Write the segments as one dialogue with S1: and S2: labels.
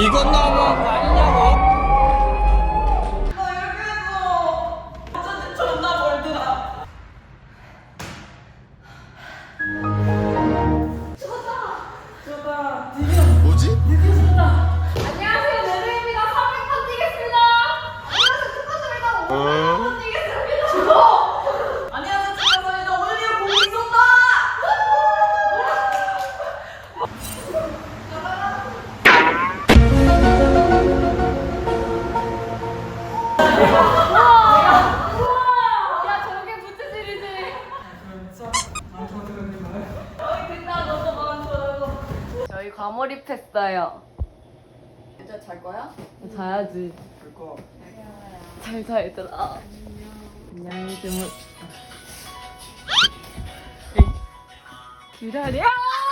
S1: 이건 너무한 거 아니냐고.
S2: 뭐지?
S3: 안녕하세요, 네드입니다. 300번 뛰겠습니다. 안녕하세요, 축하드립니다. 500번 뛰겠습니다. 안녕하세요, 축하드립니다. 오늘 이거 보고 있었다. 야, 저게 부채질이지. 됐다, 너도 마음 좋아요. 저희 과몰입했어요. 이제 잘 거야? 자야지. 잘 자, 얘들아. 안녕히 주무. 기다려.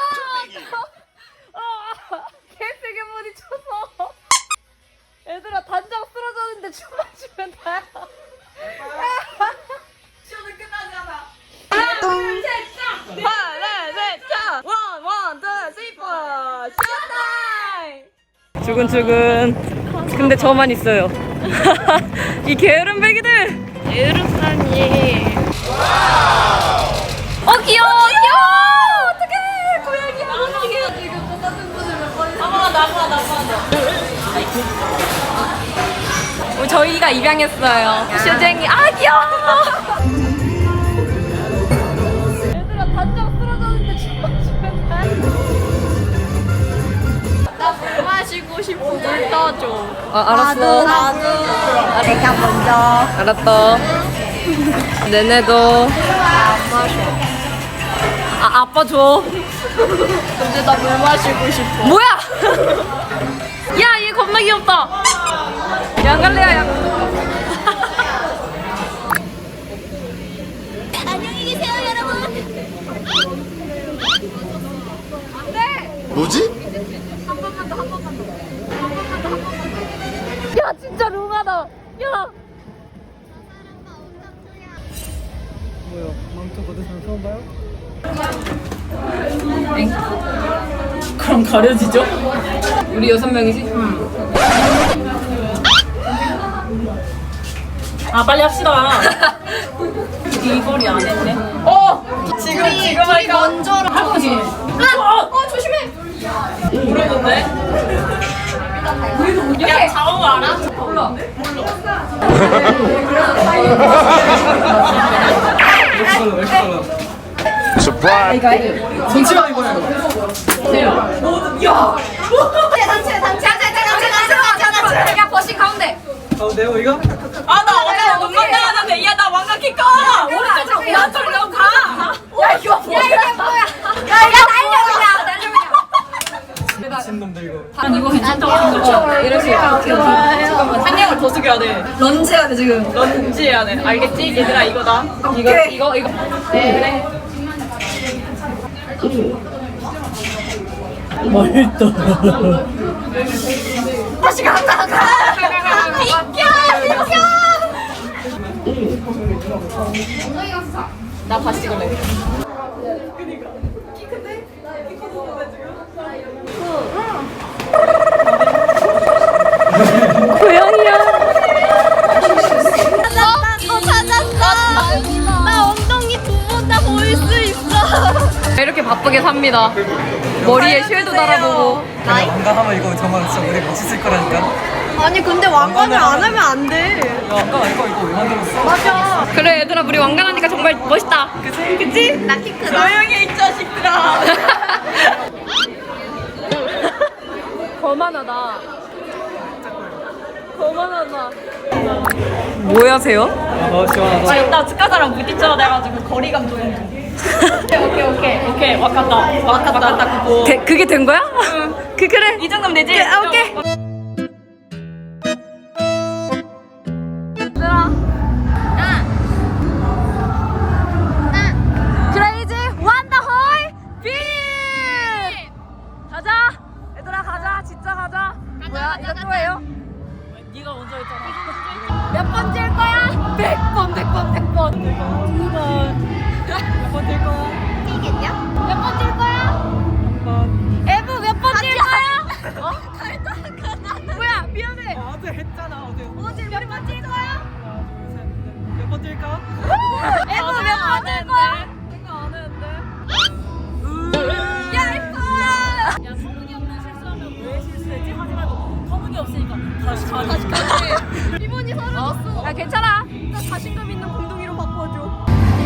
S3: 개세게 부딪혀서. 얘들아, 단장 쓰러졌는데 춤만 추면 다야. 시험은 끝나잖아. 하나, 둘, 셋, 짝! 하나, 셋, 짝! 원, 투, 쓰리, 포! 쇼타임! 주근주근. 근데 저만 있어요. 이 게으른 배기들! 게으르다니. 귀여워, 귀여워! 어떡해! 고양이야. 지금 똑같은 분을 몇 번. 나봐. 저희가 입양했어요. 슈쟁이. 귀여워! 얘들아, 단장 쓰러졌는데 춤만 추면 나물 마시고 싶어. 물 떠줘. 알았어. 나도. 내가 먼저. 알았어. 내내도. 안 마셔. 아빠 줘. 근데 나 물 마시고 싶어. 뭐야? 야, 얘 겁나 귀엽다. 양갈래야, 양. 안녕히 계세요, 여러분. 안 돼.
S2: 뭐지?
S3: 한 번만 더. 야, 진짜 룽하다. 야.
S1: 뭐야? 망토 거대상 처음 봐요?
S4: 그럼 가려지죠?
S3: 우리 6명이지?
S4: 빨리 합시다. 이 거리 안 했네. 지금 할까?
S3: 먼저
S4: 할 거지?
S3: 조심해.
S4: 모르는데? 야, 자오 알아?
S3: 몰라.
S2: 서프라이즈.
S1: 손치마 입어야 돼.
S3: 단체. 야, 버시 가운데.
S1: 가운데요 이거?
S4: 나 어제 못 만나는데. 야, 나 왕각킬까? 오른쪽으로 왼쪽으로 가.
S3: 야, 이게 뭐야? 야, 날려 그냥.
S1: 미친놈들 이거.
S4: 난 이거 괜찮다고 생각해.
S3: 이러지.
S4: 잠깐만, 한 양을 더 숙여야 돼.
S3: 런지 해야 돼, 지금.
S4: 런지 해야 돼. 알겠지? 얘들아, 이거다. 이거.
S3: 네.
S1: 맛있다.
S3: 다시 간다. 비켜.
S4: 나 다시 찍을래.
S3: 고양이야. 찾았어. 나 엉덩이 2번 다 보일 수 있어. 이렇게 바쁘게 삽니다. 머리에 쉘도 달아보고.
S1: 왕가하면 이거 정말 진짜 우리 멋있을 거라니까.
S3: 아니 근데 왕관을 안 하면 안 돼.
S1: 야, 왕가 이거 왜 만들었어?
S3: 맞아. 그래 얘들아, 우리 왕관하니까 정말 멋있다. 그치? 나 키 크다.
S4: 조용히 이 자식들아.
S3: 거만하다. 거만하다. 뭐 하세요?
S1: 시원하다.
S4: 나 축하사랑 부딪혀 돼가지고 거리감 조정 중. 오케이. 와갔다 그거.
S3: 그게 된 거야? 응. 그래.
S4: 이 정도면 되지?
S3: 오케이. 크레이지 원더홀 빔! 가자. 얘들아 가자. 진짜 가자. 뭐야? 이거 또예요?
S4: 네가 먼저 했잖아.
S3: 몇 번 찔 거야? 100번.
S4: 몇 번 될 거야?
S3: 뛰겠냐? 몇 번 찔 거야?
S4: 한 번.
S3: 에브 몇 번 찔 거야? 어?
S1: 어제 했잖아 어제.
S3: 어제 몇 번 찔 거야?
S1: 하나 둘 셋. 몇 번 뛸까?
S3: 애도 몇번 찔 거야? 생각 안 했는데. 야 이뻐. 야 터무니없는 실수하면 왜 실수했지? 하지 말고 터무니없으니까 다시 기분이 사라졌어. 야 괜찮아. 나 자신감 있는 공동이로 바꿔줘.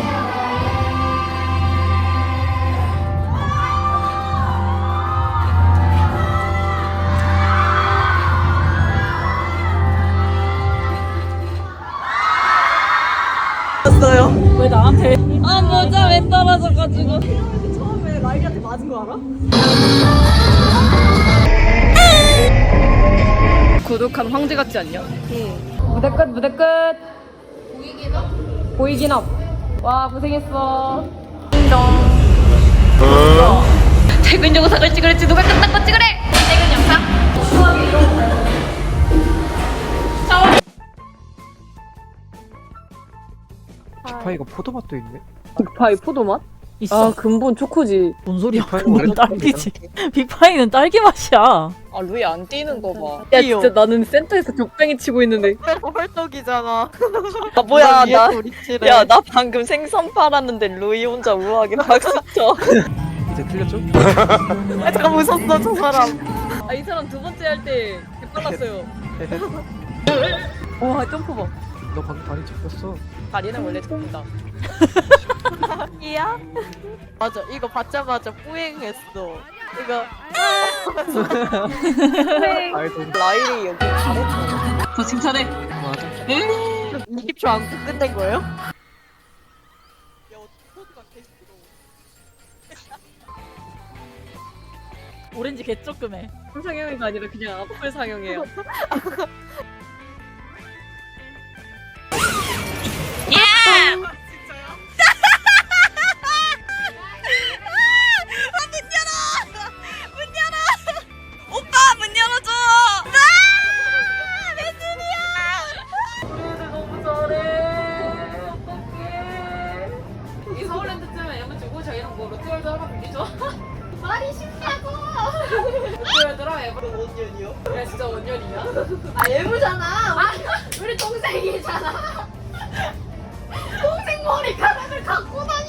S4: 왜 나한테?
S3: 아 모자 왜 떨어져가지고.
S4: 처음에 라이리한테 맞은 거 알아?
S3: 고독한 황제 같지 않냐? 무대 끝 무대 끝. 보이긴 업. 보이긴 업. 와 고생했어. 인정. 퇴근 영상을 찍으랬지 누가 끝난 거 찍으래. 퇴근 영상.
S1: 빅파이가 포도맛도 있네.
S3: 빅파이 포도맛?
S4: 있어.
S3: 아 근본 초코지.
S4: 뭔 소리야?
S1: 빅파이는
S4: 그건
S1: 원래
S4: 딸기지. 빅파이는 딸기 맛이야.
S5: 아 루이 안 뛰는 거 봐.
S3: 야 진짜 나는 센터에서 격뱅이 치고 있는데.
S5: 헐떡이잖아. 아 뭐야 야 나 방금 생선 팔았는데 루이 혼자 우아하게 박수 쳐.
S1: 이제 틀렸죠?
S5: 아, 잠깐 웃었어 저 사람.
S3: 아 이 사람 두 번째 할 때 빨랐어요. 와 점프 봐.
S1: 너 방금 다리 짚었어.
S5: 다리는 원래 접니다. 이야? 맞아 이거 받자마자 뿌행했어. 이거
S1: 아이돌.
S5: 라일이 여기 잘했어.
S4: 저 칭찬해.
S1: 맞아.
S5: 20초 안고 끝낸 거예요?
S4: 오렌지 개조금해.
S3: 상영이가 아니라 그냥 앞을 상영이에요.
S5: 오빠 문 열어줘.
S3: 이 서울랜드쯤에 양면 주고 저희랑 뭐 롯데월드 하나 빌리죠? 말이 쉽냐고! 롯데월드랑 에버 원년이요? 야 진짜 원년이야? 아 예부잖아! 우리 동생이잖아! 동생 머리카락을 갖고 다녀!